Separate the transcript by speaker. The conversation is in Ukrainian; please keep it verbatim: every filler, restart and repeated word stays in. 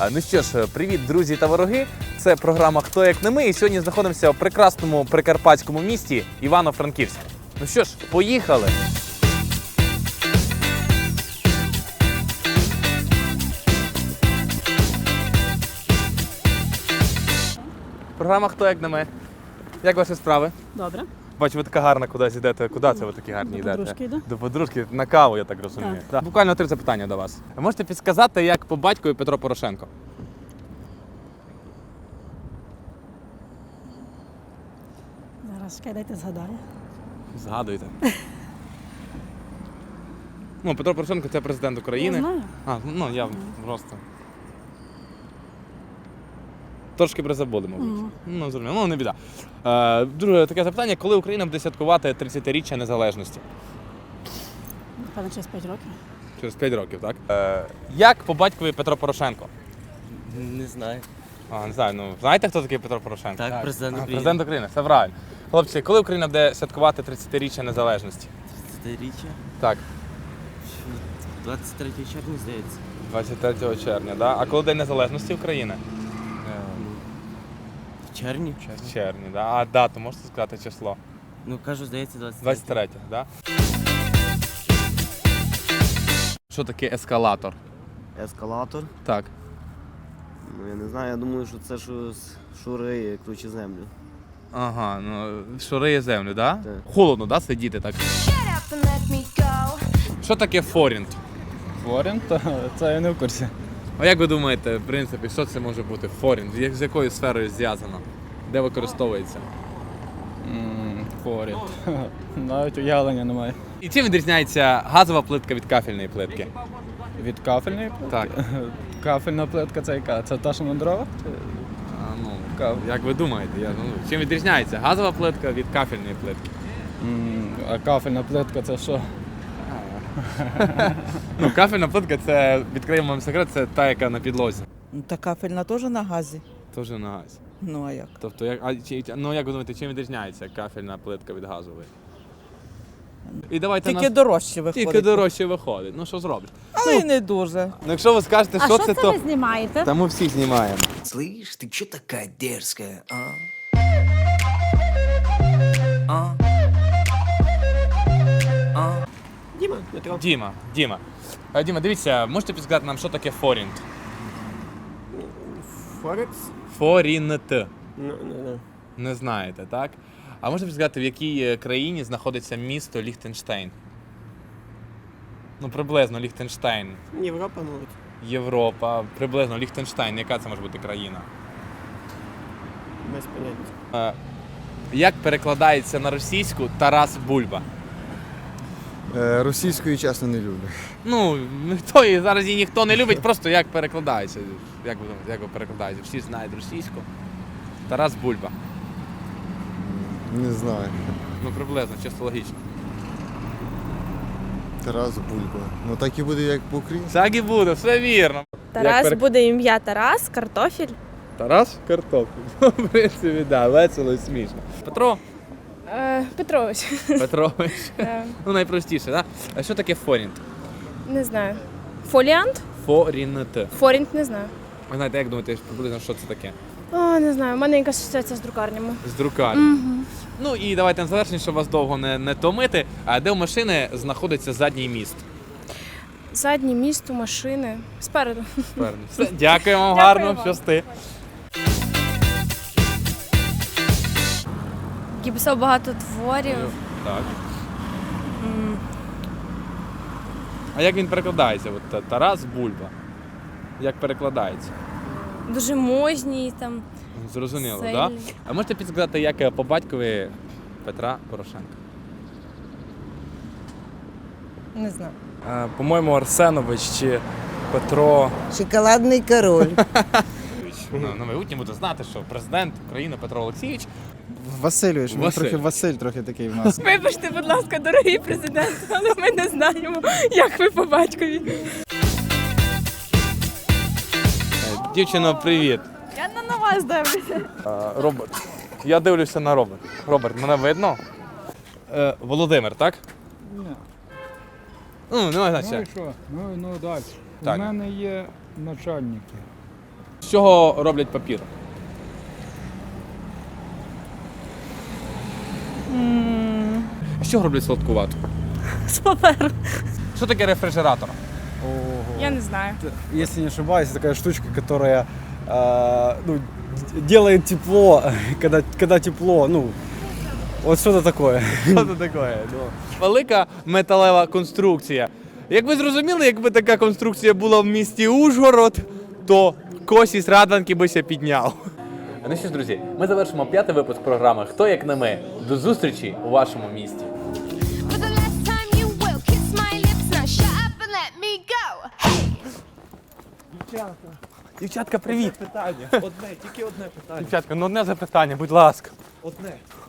Speaker 1: Ну що ж, привіт, друзі та вороги. Це програма «Хто як не ми». І сьогодні знаходимося в прекрасному прикарпатському місті Івано-Франківськ. Ну що ж, поїхали! Програма «Хто як не ми». Як ваші справи?
Speaker 2: Добре.
Speaker 1: Бачу, ви така гарна кудись йдете. Куди це ви такі гарні йдете?
Speaker 2: До подружки йду.
Speaker 1: До подружки? На каву, я так розумію.
Speaker 2: Так.
Speaker 1: Так. Буквально три запитання до вас. Ви можете підсказати, як по батькові Петро Порошенко?
Speaker 2: Зараз чекай, дайте згадаю.
Speaker 1: Згадуйте. Ну, Петро Порошенко – це президент України.
Speaker 2: Я знаю.
Speaker 1: А, ну, я просто... Трошки призабули, мабуть.
Speaker 2: Мгм.
Speaker 1: Ну, зрозуміло. Ну, не біда. Е, друге таке запитання. Коли Україна буде святкувати тридцятиріччя незалежності?
Speaker 2: Напевно, через п'ять років.
Speaker 1: Через п'ять років, так? Е, як по батькові Петро Порошенко?
Speaker 3: Не знаю.
Speaker 1: А, не знаю, ну, знаєте, хто такий Петро Порошенко?
Speaker 3: Так, президент
Speaker 1: А,
Speaker 3: України.
Speaker 1: президент України, все правильно. Хлопці, коли Україна буде святкувати тридцятиріччя незалежності?
Speaker 3: тридцятиріччя.
Speaker 1: Так,
Speaker 3: двадцять третього червня, здається.
Speaker 1: двадцять третього червня, да? А коли День Незалежності України?
Speaker 3: В червні?
Speaker 1: В червні, да? А дату можете сказати число?
Speaker 3: Ну, кажу, здається,
Speaker 1: двадцять
Speaker 3: двадцять третє.
Speaker 1: третє, да? Що таке ескалатор?
Speaker 4: Ескалатор?
Speaker 1: Так.
Speaker 4: Ну я не знаю, я думаю, що це щось шури, круче землю.
Speaker 1: Ага, ну, шуриє землю, да?
Speaker 4: Так.
Speaker 1: Холодно, да, сидіти так? Що таке форінт?
Speaker 5: Форін, то це я не в курсі.
Speaker 1: А як ви думаєте, в принципі, що це може бути форінт? Як- З якою сферою зв'язано? Де використовується?
Speaker 5: М, Форін. Навіть уявлення немає.
Speaker 1: І чим відрізняється газова плитка від кафельної плитки?
Speaker 5: Від кафельної плитки?
Speaker 1: Так.
Speaker 5: Кафельна плитка це яка? Це та, що на дрова?
Speaker 1: А, ну,
Speaker 5: Кав-
Speaker 1: як ви думаєте? Я, ну, чим відрізняється газова плитка від кафельної плитки?
Speaker 5: М, А кафельна плитка це що?
Speaker 1: Ну, кафельна плитка це, відкриємо вам секрет, це та, яка на підлозі.
Speaker 6: Ну, та кафельна теж на газі.
Speaker 1: Теж на газі.
Speaker 6: Ну а як?
Speaker 1: Тобто, як, а, чи, ну, як ви думаєте, чим відрізняється кафельна плитка від газової? І давайте
Speaker 6: Тільки
Speaker 1: нас-
Speaker 6: дорожче виходить.
Speaker 1: Тільки дорожче виходить. Ну, що зробиш?
Speaker 6: Але й не дуже.
Speaker 1: Ну, якщо ви скажете,
Speaker 2: А
Speaker 1: що
Speaker 2: що
Speaker 1: це,
Speaker 2: це
Speaker 1: то...
Speaker 2: ви знімаєте?
Speaker 1: Та ми всі знімаємо.
Speaker 7: Слышь, ты чё такая дерзкая, а? А? А?
Speaker 4: Діма, Петро.
Speaker 1: Діма, Діма. А, Діма, дивіться, можете підсказати нам, що таке форінт?
Speaker 4: Форекс?
Speaker 1: Форінт.
Speaker 4: Ну, ну, ну.
Speaker 1: Не знаєте, так? А можете підсказати, в якій е, країні знаходиться місто Ліхтенштейн? Ну, приблизно Ліхтенштейн.
Speaker 4: Європа, мабуть.
Speaker 1: Європа, приблизно Ліхтенштейн. Яка це може бути країна?
Speaker 4: Без поняття.
Speaker 1: Е, як перекладається на російську Тарас Бульба?
Speaker 8: Е, Російської, чесно, не люблю.
Speaker 1: Ну, ніхто її, зараз її ніхто не любить, просто як перекладається. Як ви думаєте, як ви перекладаєте? Всі знають російську. Тарас Бульба.
Speaker 8: Не знаю.
Speaker 1: Ну, приблизно, чисто логічно.
Speaker 8: Тарас Бульба. Ну так і буде, як по-українськи.
Speaker 1: Так і буде, все вірно.
Speaker 9: Тарас
Speaker 1: перек-
Speaker 9: буде ім'я Тарас, картофіль.
Speaker 1: Тарас картоплю. В принципі, да, весело і смішно. Петро
Speaker 9: Е, Петрович.
Speaker 1: Петрович.
Speaker 9: Е,
Speaker 1: Ну, найпростіше, так? А що таке форінт?
Speaker 9: не знаю. Фоліант?
Speaker 1: Форінт.
Speaker 9: Форінт не знаю.
Speaker 1: Ви знаєте, як думаєте, приблизно, що це таке?
Speaker 9: О, не знаю. У мене якась асоціація з друкарнями.
Speaker 1: З друкарні. Ну і давайте на завершення, щоб вас довго не, не томити. А де у машини знаходиться задній міст?
Speaker 9: Заднє місто, машини. Спереду.
Speaker 1: Спереду. Все, дякую вам,
Speaker 9: Дякую
Speaker 1: гарно,
Speaker 9: вам.
Speaker 1: щасти.
Speaker 9: Який писав багато творів.
Speaker 1: Так. А як він перекладається? От та- Тарас Бульба. Як перекладається?
Speaker 9: Дуже мужній там.
Speaker 1: Зрозуміло, так?
Speaker 9: Сильний.
Speaker 1: Да? А можете підсказати, як е, по батькові Петра Порошенка?
Speaker 6: Не знаю.
Speaker 5: По-моєму, Арсенович чи Петро.
Speaker 6: Шоколадний король.
Speaker 1: Ну, на майбутнє буде знати, що президент України Петро Олексійович.
Speaker 8: Васильович, він
Speaker 1: Василь.
Speaker 8: трохи Василь трохи такий в нас.
Speaker 9: Вибачте, будь ласка, дорогий президент, але ми не знаємо, як ви по батькові.
Speaker 1: Е, Дівчино, привіт.
Speaker 9: Я не на вас дивлюся.
Speaker 1: Е, Роберт. Я дивлюся на Роберт. Роберт, мене видно? Е, Володимир, так?
Speaker 5: Ні.
Speaker 1: Ну, немає
Speaker 5: Ну і
Speaker 1: значення.
Speaker 5: що? Ну, ну далі.
Speaker 1: Так.
Speaker 5: У мене є начальники.
Speaker 1: З чого роблять папір? З чого роблять солодку вату?
Speaker 2: З паперу.
Speaker 1: Що таке рефрижератор?
Speaker 9: Я не знаю.
Speaker 5: Если не ошибаюсь, такая штучка, которая э, ну, делает тепло, когда, когда тепло, ну, вот что-то такое.
Speaker 1: Що це таке? Велика металева конструкція. Як ви зрозуміли, якби така конструкція була в місті Ужгород, то Косіс Радванки би ся підняв. Ну що ж, друзі, ми завершимо п'ятий випуск програми «Хто як не ми». До зустрічі у вашому місті.
Speaker 9: For the last time you will kiss my lips, now shut up and let me go.
Speaker 1: Дівчатка, привіт!
Speaker 3: Питання. Одне, тільки одне питання.
Speaker 1: Дівчатка, ну одне запитання, будь ласка.
Speaker 3: Одне.